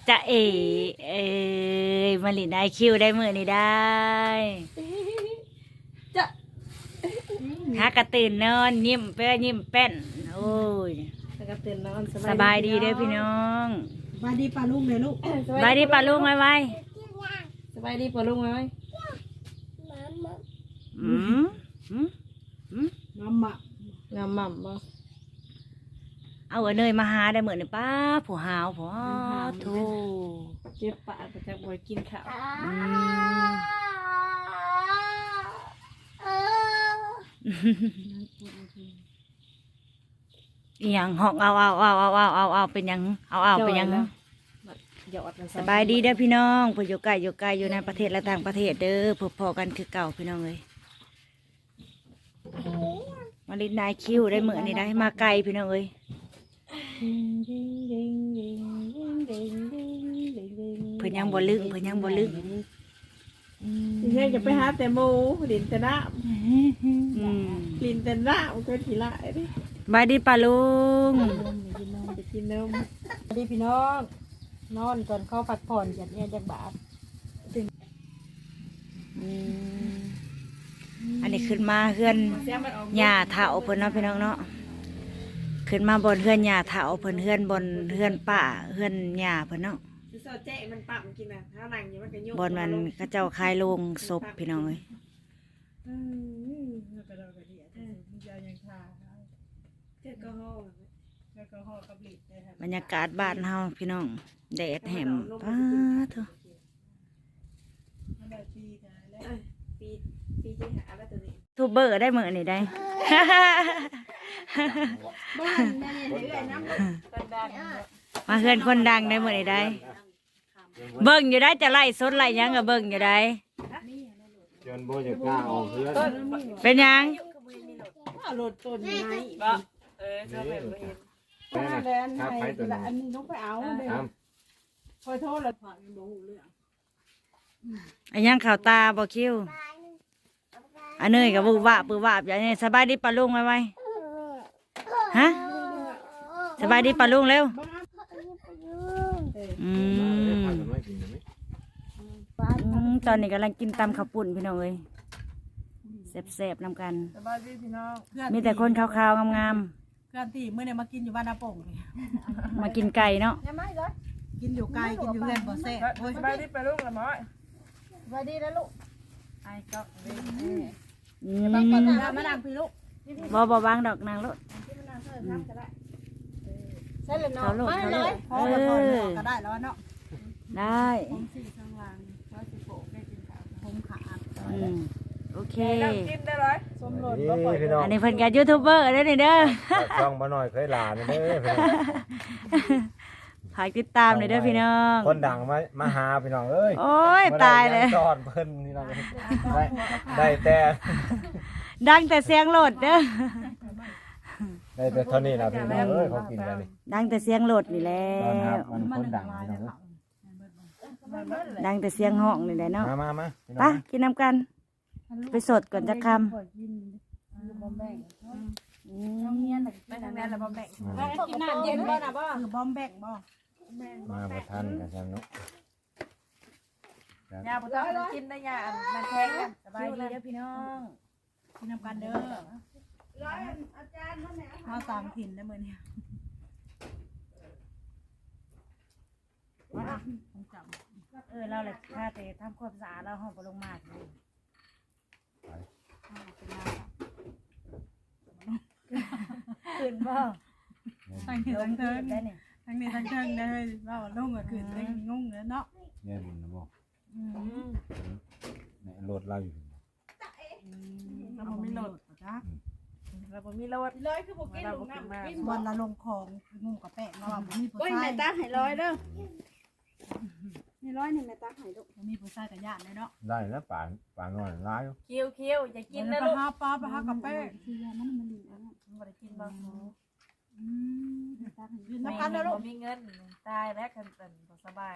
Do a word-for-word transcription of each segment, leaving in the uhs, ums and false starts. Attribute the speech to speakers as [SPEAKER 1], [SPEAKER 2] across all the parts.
[SPEAKER 1] จะเอเอ้ยมาลินได้คิวได้มือนี่ได้
[SPEAKER 2] จะ
[SPEAKER 1] หากระตื่นนอนยิ้มเป้ยิ้มแป้นโอ้ย
[SPEAKER 2] กระตื่นนอน
[SPEAKER 1] สบายดีเด้อพี่น้อง
[SPEAKER 2] สบายดีปลาลุงเลยลูก
[SPEAKER 1] สบายดีปลาลุงไว้ไว้
[SPEAKER 2] สบายดีปลาลุงไว้
[SPEAKER 1] อืมอืมอืม
[SPEAKER 2] งามหม่ำงามหม่ำบ่
[SPEAKER 1] เอาเนยมาหาได้เหมือนป้าผู้หาวผู้ทู
[SPEAKER 2] เจ็บปากประจักบ่อยกินข้าว
[SPEAKER 1] อย่างห้องเอาเอาเอาเอาเอาเอาเอาเป็นยังเอาเอาเป็นยังสบายดีเด้อพี่น้องผู้อยู่ไกลอยู่ไกลอยู่ในประเทศและต่างประเทศเด้อพบพอกันคือเก่าพี่น้องเลยมาลินนายคิวได้เหมือนนี่ได้มาไกลพี่น้องเลยเพื่อนยังบ่ลึกเพื่อนยังบ่ลึก
[SPEAKER 2] เฮ้ยจะไปหาแต่หมูลินแต่น้ำลินแต่น้ำก็ทีละดิ
[SPEAKER 1] บายดีป่าลุง
[SPEAKER 2] กินนมไปกินนมบายดีพี่น้องนอนก่อนเข้าพักผ่อนจัดเนี่ยจากบาท
[SPEAKER 1] อันนี้ขึ้นมาเฮือนหญ้าเถาเพิ่นเนาะพี่น้องเนาะขึ้นมาบนเฮือนหญ้าเถาเพิ่นเฮือนบนเฮือนป่าเฮือนหญ้าเพิ่นเนาะบนมันก็เจ้าคายโลงศพพี่น้องเลยบรรยากาศบ้านเฮาพี่น้องแดดแหมป้าเถอะทูบเบอร์ได้เหมือนนี่ได้มาเฮือนคนดังได้เหมือนนี่ได้เบิ่งอยู่ได้จะไล่สดไล่ยังกับเบิ่งอยู่ได้
[SPEAKER 3] จนโบจะกล้าออกเพื่อน
[SPEAKER 1] เป็นยัง
[SPEAKER 2] รถต้นไม้เออชอบแบบเห็น
[SPEAKER 3] แม่นะถ้าไปตัวนี้
[SPEAKER 2] อันนี้ต้องไปเอาเดี๋ยวคอยโทษเลยผ่านยังบ่หูเรื่อง
[SPEAKER 1] อันยังข่าวตาบ่คิวอันเนยกับบูวะปือวะอย่างนี้สบายดีปะลุงไหมไว้ฮะสบายดีปะลุงเร็วอืมตอนนี้กำลังกินตำข้าวปุ่นพี่น้องเอ้ยแซ่บๆนำกัน
[SPEAKER 2] สบายดีพี่น้อง
[SPEAKER 1] มีแต่คนขาวๆงาม
[SPEAKER 2] ๆเพื่อนที่เมื่อเนี่ยมากินอยู่บ้านนาโป่ง
[SPEAKER 1] มากินไก่เนาะ
[SPEAKER 2] กินอยู่ไก่กินอยู่เรือนบ่แซ่บสบายดีปะลุงละม้อยสบายดีนะลูกไอ้ก็
[SPEAKER 1] บังก่อน
[SPEAKER 2] นะมาดังพี่ลูก
[SPEAKER 1] บ่บ่บางดอกนางลูก
[SPEAKER 2] ใช่เลยเนาะไม่เลยพอแล้วพอแล้วก็ได้แล้วเนาะ
[SPEAKER 1] ได้
[SPEAKER 2] ผมสี่ข้างล่างร้อยสิบหกได้กินข้าวผมขาด
[SPEAKER 1] โอเค
[SPEAKER 2] กินได้เลยสมรสก็ปล่อย
[SPEAKER 1] อันนี้เพิ่นกับยูทูบเบอร์ได้นี่เด้อ
[SPEAKER 3] ช่องมาหน่อยเคยหลานเด้อพี่น้อง
[SPEAKER 1] ฝากติดตามหน่อยเด้อพี่น้อง
[SPEAKER 3] คนดังมามาหาพี่น้องเอ้ย
[SPEAKER 1] โอ้ยตายเลย
[SPEAKER 3] จอดเพิ่นพี่น้องได้ได้แต่
[SPEAKER 1] ดังแต่เสียงโหลดเด้อ
[SPEAKER 3] ได้แต่เท่านี้นะพี่น้องเอ้ยเขากินกันนี่
[SPEAKER 1] ดังแต่เสียงโหลดนี่แหละ
[SPEAKER 3] มันคนดังพี่น้อง
[SPEAKER 1] ดังแต่เสียงห้องนี่แหละเนาะ
[SPEAKER 3] มามามา
[SPEAKER 1] ไปกินน้ำกันไปสดก่อนจะคำ
[SPEAKER 2] ไปทางนั้นแล้วบอมแบกกินน้ำเย็นบ่นะบ่บอมแบกบ่
[SPEAKER 3] มาประทันกันจังเนาะ
[SPEAKER 2] ยาปวดท้องกินได้ยามันแทงกันสบายดีเด้อพี่น้องกินน้ำกันเด้อร้อยอาจารย์นั่นแหละมาตามถิ่นได้เหมือนเนี่ยว่าต้องจับ
[SPEAKER 1] เออเราเลยค่าแต่ทำความสะอาดเราห้องปลงมาเลยขึ้นบ่
[SPEAKER 2] ทั้งนี้ทั้งเทิงทั้งนี้ทั้งเทิงได้ว่าลุงก็ขึ้นได้งงเลยเนาะ
[SPEAKER 3] เนี่ยบุญนะบ่เนี่ยรถเราอยู่
[SPEAKER 2] เราบ่มีรถจ้ะเราบ่มีรถร้อยคือบ่กินลงน้ำวันละลงของงงกับแป้งเราบ่มีผู้ชายโอ้ยแม่ตาให้ร้อยเด้อนี่ร้อยนี่แม่ตาให้ลูกบ่มีผู้ชายกับญาติเลยเนาะ
[SPEAKER 3] ได้แล้วป่านป่านน้อยร้าย
[SPEAKER 2] คิวคิวอย่ากินนะลูกไปหาปลาไปหากับแป้งคือยามันมันดีนะบ่ได้กินบ่อืมกินน้ำกันเด้อลูกบ่มีเงินตายแล้วกันเป็นบ่สบาย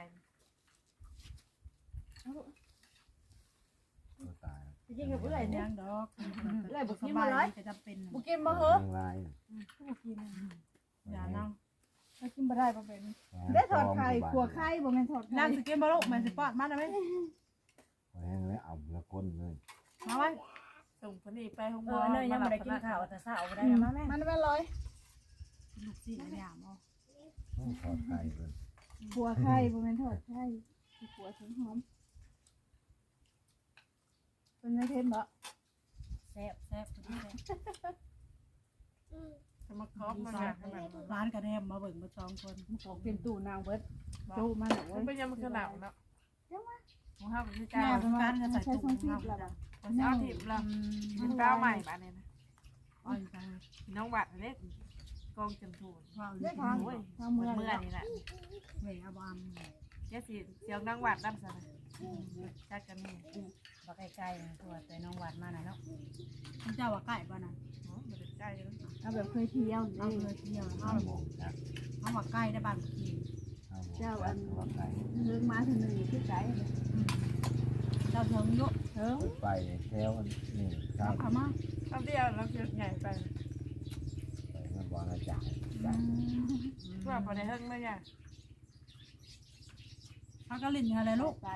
[SPEAKER 3] ตาย
[SPEAKER 2] กินกับเอื่อยเนี่ยดอกเอื่อยบุกินมาเลยจะจำเป็นบุกินมาเหรอ
[SPEAKER 3] ลาย
[SPEAKER 2] บุกินอย่านั่งเรากินบ่ได้บ่เป็นได้ถอดไข่ขัวไข่บ่แม่นถอด
[SPEAKER 4] นั่งสกินบ่ลูกแม่สิปอดมาได้ไหม
[SPEAKER 3] แห้งแล้วเอาละก้นเลย
[SPEAKER 4] มาไว้ส่งคนนี้ไปห้อง
[SPEAKER 1] เอ
[SPEAKER 4] หมอ
[SPEAKER 1] อเนยยังไม่ได้กินข้าวแต่เช้าบ่ได้มาแม่
[SPEAKER 2] มันเป็นร้อย
[SPEAKER 4] ลูกสี่เนี่ยมอ
[SPEAKER 3] ต้องถอดไข่เลย
[SPEAKER 2] ขัวไข่บ่แม่นถอดไข่ขัวถึงหอมเป็นไงเทมบ่
[SPEAKER 1] แซ่บแซ่บคนนี้เลย
[SPEAKER 4] จะมาครอบมาเนี่ยขนาด
[SPEAKER 5] ร้านกระแทมมาเบิ่งมาจองคน
[SPEAKER 2] มันของเป็นตู้นางเบิดโตมาหนู
[SPEAKER 4] มันเป็นยังมันขนาดเนาะของห้าเป็นที่
[SPEAKER 2] แม่
[SPEAKER 4] เก้า
[SPEAKER 2] ประมาณใช้ทรงซีบแล้ว
[SPEAKER 4] มันจะเอาถิ่มละเป็นเก้าใหม่บ้านเนี่ยนะ
[SPEAKER 5] อ่อนใจ
[SPEAKER 4] น้องบัตรเล็กกองจำทูน
[SPEAKER 5] ว่า
[SPEAKER 2] ได้
[SPEAKER 5] เ
[SPEAKER 2] ทาง
[SPEAKER 4] โอ้ย
[SPEAKER 2] ทาง
[SPEAKER 4] เมื่
[SPEAKER 2] เมื
[SPEAKER 4] อ
[SPEAKER 2] อง
[SPEAKER 4] นี่แหละ
[SPEAKER 5] หวยอาบาม
[SPEAKER 4] เจ๊สีเสียงน้องบัตรน้ำสนะจัดกันนี่
[SPEAKER 1] บ่ใกล้ๆตัวแต่น้องหวานมาหน่อยเนาะ
[SPEAKER 5] เจ้าว่าใกล้บ้านน่ะ
[SPEAKER 4] โอ้มันเป็นใกล้เลย
[SPEAKER 2] เอาแบบเคยเที่ยว
[SPEAKER 5] เอา
[SPEAKER 2] นี่
[SPEAKER 5] เลยเที่ยวเอา
[SPEAKER 3] โมงนะ
[SPEAKER 5] เอาว่าใกล้ได้บ้านกิน
[SPEAKER 3] เอาโมงจัดว่าไก่
[SPEAKER 2] เรื่องมาถึงหนึ่งที่ไกล
[SPEAKER 5] เจ้าเถิงยุ
[SPEAKER 2] เถิง
[SPEAKER 3] ไปแถวนี่ครับ
[SPEAKER 5] เอามา
[SPEAKER 4] คำเดียวเราเพียงใหญ่ไป
[SPEAKER 3] ไปมาบอกนะจ๊ะ
[SPEAKER 4] เพื่อพอได้เฮิ่งเลยเนี่ย
[SPEAKER 5] เขาก็ลิ้นอะไรลูก
[SPEAKER 2] ไป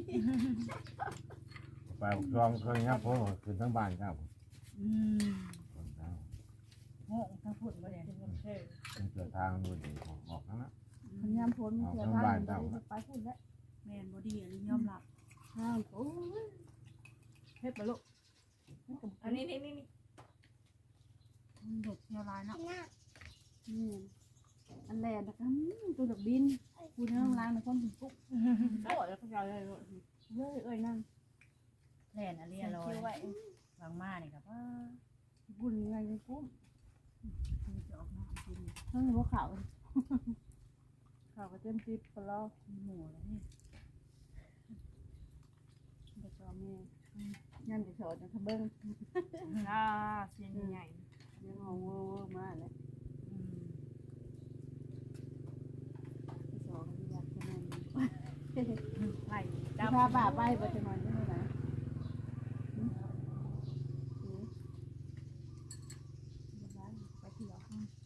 [SPEAKER 3] ไปรวมเคยครับผมขึ้นทั้งบ้านครับ
[SPEAKER 5] อืม
[SPEAKER 3] คนเท้า
[SPEAKER 1] โง่ทั้งพุ่นบ่ได้
[SPEAKER 3] เป็นเกิดทางดูดีออกทั้งนั้น
[SPEAKER 2] พยายามพ้นเสียทางไปไปพูดแล้ว
[SPEAKER 5] แม่นบ่ดีอันนี้ยอมรับ
[SPEAKER 2] ห้ามโอ้ยเฮ็ดบ่ลูก
[SPEAKER 4] อันนี้นี่นี่นี่
[SPEAKER 5] มันเด็ดเที่ยวร้ายเนาะ
[SPEAKER 2] นี่อันแรกนะครับตัวดอกบินกูนั่งล้างในความถึงปุ๊บโอ้ยแล้วก็ยาวเลยเอ้ยเอ้ยนั่ง
[SPEAKER 1] แล่นอันเรียลอยบางมานี่ก็ว่า
[SPEAKER 2] บุญไงกุ้ม
[SPEAKER 5] จะออกมากิน
[SPEAKER 2] ทั้งหัวขาวขาวก็เต็มทิพย์ปลา
[SPEAKER 5] หมูแล้วนี่
[SPEAKER 2] เด็กแม่ยันจะโฉดจะทะเบิ้ง
[SPEAKER 4] อ่าเสียงใหญ่
[SPEAKER 2] ยังงงเวอร์มากเลย
[SPEAKER 1] อืม
[SPEAKER 2] สองอยากจะนอน
[SPEAKER 4] ไหล
[SPEAKER 2] ดา
[SPEAKER 4] ดำ
[SPEAKER 2] บ่าไปบ่จะนอนได้ไหมไปเที่ยว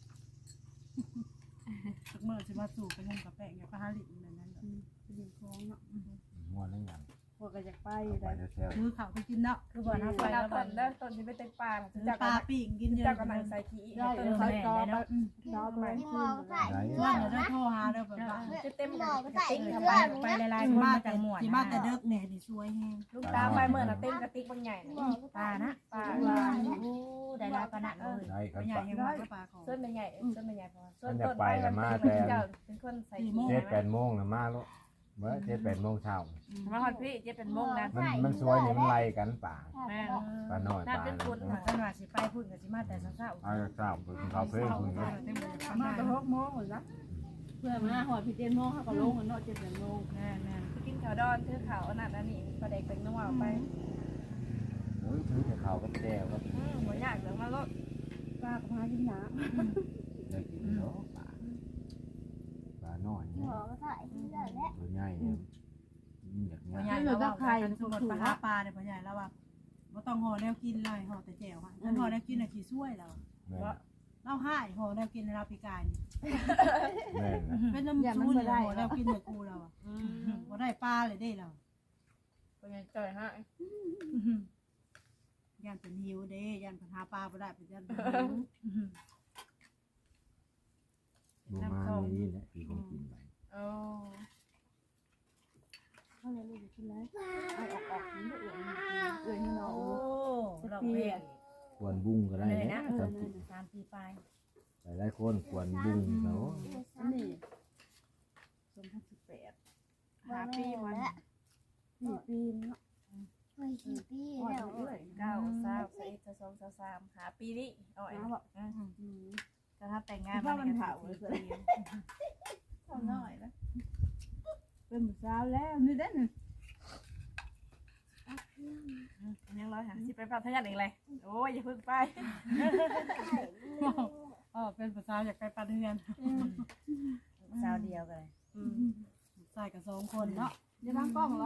[SPEAKER 5] สักเมื่อสิมาสู่ไปงมกับแป้งกับปลาหลินแบบนั้น
[SPEAKER 2] ไปดินคลองเนาะ
[SPEAKER 3] ม้วนนั่งอย่าง
[SPEAKER 2] พวกก็อยากไป
[SPEAKER 3] ไป
[SPEAKER 2] ได้
[SPEAKER 3] แถว
[SPEAKER 5] มือเขาไปกินเนาะ
[SPEAKER 1] คือบ่เฮา
[SPEAKER 4] ไป
[SPEAKER 1] ไป
[SPEAKER 4] แล้
[SPEAKER 1] แล้ว ว
[SPEAKER 4] ต้
[SPEAKER 1] บั
[SPEAKER 4] น
[SPEAKER 1] ด
[SPEAKER 4] เด้อต้นที่ไม่เต็มปลา
[SPEAKER 5] ซื้อ
[SPEAKER 4] จาก
[SPEAKER 5] ปลาปิ้งกินเยอะ
[SPEAKER 4] จากกันไหนใส่ขี้
[SPEAKER 2] ได้
[SPEAKER 4] ต้น
[SPEAKER 2] เออ
[SPEAKER 4] ใส่
[SPEAKER 2] ใส่จอไปจอไปขึ้น
[SPEAKER 5] ว่าเดี๋ยวได้โทรหาเด้อแบบว่า
[SPEAKER 4] จะเต็ม
[SPEAKER 6] หมอก็ใส่
[SPEAKER 1] ติ๊ก
[SPEAKER 6] เสื้
[SPEAKER 1] เข้า
[SPEAKER 6] อ
[SPEAKER 1] ไป
[SPEAKER 6] หนู
[SPEAKER 1] ไป
[SPEAKER 6] นะ
[SPEAKER 1] หลายๆ
[SPEAKER 5] ที่
[SPEAKER 1] คน
[SPEAKER 5] มา
[SPEAKER 1] มา
[SPEAKER 5] แต่
[SPEAKER 1] จากหมวด
[SPEAKER 5] ที่มาแต่เด็กเนี่ยนี่สวยแฮง
[SPEAKER 4] ลูกตาไปเมื่อน่ะเต็มกระติกบางใหญ่
[SPEAKER 6] หมอก็
[SPEAKER 1] ปลา
[SPEAKER 6] ใส่
[SPEAKER 1] นะ
[SPEAKER 4] ปลา
[SPEAKER 1] โอ้ได้หลายปานนั้นเลย
[SPEAKER 3] ได้ครับ
[SPEAKER 5] ใหญ่ยังมาก็ปลาของ
[SPEAKER 4] ส้นเป็นใหญ่ส้นเป็นใหญ่พอส้นต้นไปมันเป็นเจ้าเป็นคนใส่ขี้
[SPEAKER 3] เจ็ดแปดโมงนะมาลูกเมื่อเจ็ดแปดโมงเช้า
[SPEAKER 4] มาฮอดพี่เจ็ดเป็นโมงนะ
[SPEAKER 3] มันมันสวยนี่มันไล่กันป่า
[SPEAKER 4] แม่
[SPEAKER 3] ปลาน้อยป
[SPEAKER 4] น่า
[SPEAKER 3] ลา
[SPEAKER 4] เป็นคุณ
[SPEAKER 1] ว่ากันว่าสิไปพุ่นก็สิมาแต่เช้า
[SPEAKER 3] เอาเช้าไปกินข้าวเพิ่มคุณเนี่ย
[SPEAKER 2] มาตะหกโมงเหรอจ๊ะเพื่อมาหอดพี่เจนโมงเขาก็ลงกันเนาะเจ็ดแปดโมง
[SPEAKER 1] ๆแม่น
[SPEAKER 4] กินข้าวดอนซื้อข้าวอันนั้นอันนี้ปลาเด็กเป็นนัวไป
[SPEAKER 3] โอ้ยถือแต่ข้าวกับแก้วก็
[SPEAKER 4] อืมบ่ยากเดี๋ยวมาลด
[SPEAKER 2] ปลากับพากินหนา
[SPEAKER 3] ได้กินเนาะปลาปลาน้อย
[SPEAKER 6] ห
[SPEAKER 3] เนี่ย
[SPEAKER 6] มอก็ใส่เสื้อและ
[SPEAKER 3] ตัวใหญ่เนี่ยอยาก
[SPEAKER 5] พ่อ
[SPEAKER 3] เงี้ย
[SPEAKER 5] ใหญ่แล้วว่ากันสมมติปลาหาปลาเนี่ยพ่อใหญ่แล้วว่าบ่ต้องห่อแนวกินเลยห่อแต่แจ่วค่ะงั้นห่อแนวกินน่ะขี้ช่วยเรา
[SPEAKER 3] แม่น
[SPEAKER 5] เราให้ห่อแนวกินในเราปีกายนี่
[SPEAKER 3] แม่นนะ
[SPEAKER 5] เป็นน้ำชูนี่ห่อแนวกินในกูเราอ่ะ
[SPEAKER 4] อืม
[SPEAKER 5] บ่ได้ปลาเลยได้เรา
[SPEAKER 4] เป็นไงจ่อยฮะ
[SPEAKER 5] ย่านเป็นหิวเด้ย่านปัญหาปลาบ่ได้เป็นย่านเป็นหิว
[SPEAKER 3] ดูมาในนี่แหละที่ผมกินไป
[SPEAKER 4] โอ้
[SPEAKER 2] เขาเลยลูกขึ้นแล้วเอาออกออกนี่เอื่อยเอื่อยนี่เนาะ
[SPEAKER 1] โอ้เราเพลง
[SPEAKER 3] ควรบุ้งก็ได้
[SPEAKER 1] เลย
[SPEAKER 3] นะ
[SPEAKER 1] นะ
[SPEAKER 3] สามสิบ
[SPEAKER 1] สามปีไป
[SPEAKER 3] หลายๆคนควรบุ้งเขา
[SPEAKER 2] อันนี้สองพันสิบแปด
[SPEAKER 4] หาปีมัน
[SPEAKER 2] สี่ปีเนาะ
[SPEAKER 6] เฮ้ยกี่ปี
[SPEAKER 2] อ่อน
[SPEAKER 6] แล้ว
[SPEAKER 2] เอื่อย
[SPEAKER 4] เก้าสามสิบสองสามหาปีนี้อ่อย
[SPEAKER 2] นะบอก
[SPEAKER 4] อืมก็ถ้าแต่งงาน
[SPEAKER 2] ว่ามันเผาเลย
[SPEAKER 4] เท่าน้อยนะ
[SPEAKER 2] เป็นหมูสาวแล้วนี่เด้น
[SPEAKER 4] ยังร้อยหาสิไปพัทยาอีกเลยโอ้ยอย่าเพิ่งไป
[SPEAKER 5] อ๋อเป็นภาษาอยากไปปลาเดือน
[SPEAKER 1] สาวเดียวกันเลย
[SPEAKER 5] ใส่กับสองคนเนาะ
[SPEAKER 2] อย่าตั้งกล้องเลย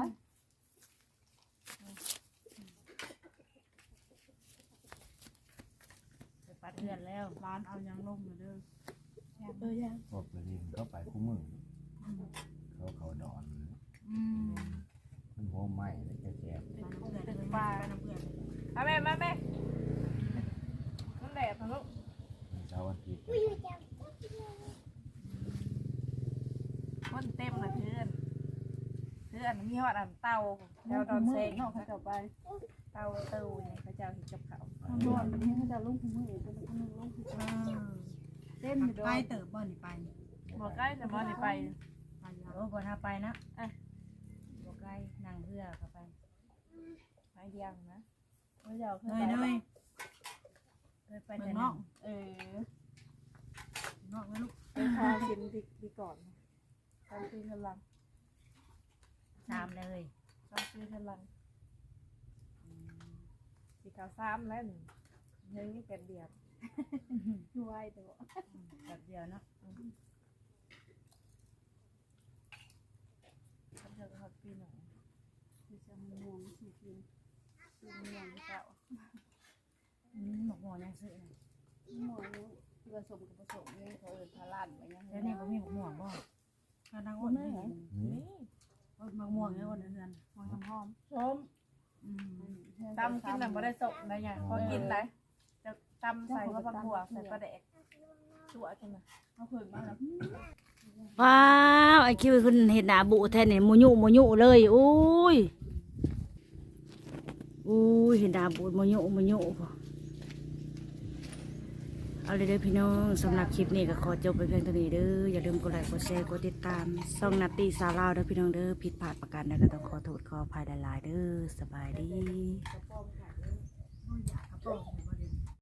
[SPEAKER 1] ไปปัดเพื่อนแล้ว
[SPEAKER 5] ร้านเอายังลงมาเด้อ
[SPEAKER 2] เออยัง
[SPEAKER 3] พวกไปเรียนเขาไปคู่มือเขาเขาดอน
[SPEAKER 5] อืม
[SPEAKER 3] มันหัวไหม้แล้วจะแจก
[SPEAKER 5] ไปน้ำเพื่อนเลยไปน้ำเพื่อน
[SPEAKER 2] มาแม่มาแม่มันแดดนะลูก
[SPEAKER 3] เช้าวันอาทิตย์
[SPEAKER 2] คนเต็มนะเพื่อนเพื่อนมีหอดอันเตาแล้วตอนเซ็งเขาจะไปเตาเตาเนี่ยเขาจะเห็นกับเขา
[SPEAKER 4] นอนนี่เขาจะลงทุ่งมือเป็นคนนึงลงทุ่ง
[SPEAKER 2] เต้นอยู่ด้ว
[SPEAKER 5] ไป
[SPEAKER 2] ย
[SPEAKER 5] เติบบ่นี่ไป
[SPEAKER 2] บอกใกล้แต่บ่ได้ไป
[SPEAKER 5] ไปแล้ว
[SPEAKER 1] โอ้บ่ถ้าไปนะบ่ใกล้นั่งเรือเข้าไป
[SPEAKER 2] ไปเดียงนะไม่ยาวขึ้น
[SPEAKER 5] เน
[SPEAKER 2] ไป
[SPEAKER 5] ยเนย
[SPEAKER 1] เคยไป
[SPEAKER 5] เมื
[SPEAKER 1] แต่
[SPEAKER 5] องน
[SPEAKER 1] นั่
[SPEAKER 5] อง ก
[SPEAKER 2] เออน
[SPEAKER 5] อกนะลูก
[SPEAKER 2] ไปพาชิมดีดีก่อนตอนซื้อพลัง
[SPEAKER 1] สามเลย
[SPEAKER 2] ตอนซื้อพลังสีขาวซ้ำแล้วนี่เฮ้ยนี่เป็นเดียบ
[SPEAKER 4] ช่วยตัว
[SPEAKER 1] แบบเดียวเนาะ
[SPEAKER 2] เขาจะเขาปีหนึ่ง
[SPEAKER 4] คือจะม่วงสีกินสีม่วงเก่า
[SPEAKER 1] อืมหมกหัวยังซื้อน่ะ
[SPEAKER 4] ม่วงนี้ผสมกับผสมนี่เขาเอิ้นพาลันไปยัง
[SPEAKER 1] แล้วนี่บ่มีหมกม่วงบ่
[SPEAKER 5] กำลังอ้นนี่
[SPEAKER 3] นี่
[SPEAKER 2] นี่
[SPEAKER 5] อ้นมะม่วงเนี่ยอ้นเดือนม่วงหอม
[SPEAKER 2] ส้ม
[SPEAKER 5] อืม
[SPEAKER 2] ตำกินแต่ไม่ได้สมนะเนี่ยพอกินเลยจะตำใส่ข้าวผัดบัวใส่ปลาแดกตัวกันนะเอาเพิ่มมาแล้ว
[SPEAKER 1] ว้าวไอ้คิวคุณเห็นหน้าบุแท้นี่มุยุมุยุเลยอุ้ยอุ้ยเห็นหน้าบุมุยุมุยุพอเอาเลยเด้อพี่น้องสำหรับคลิปนี้ก็ขอจบไปเพียงเท่านี้เด้ออย่าลืมกดไลค์กดแชร์กดติดตามช่องนาตีสาวลาวเด้อพี่น้องเด้อผิดพลาดประการใดก็ต้องขอโทษขออภัยหลายๆเด้อสบายดี
[SPEAKER 5] โอ้ยอยากกระโปรง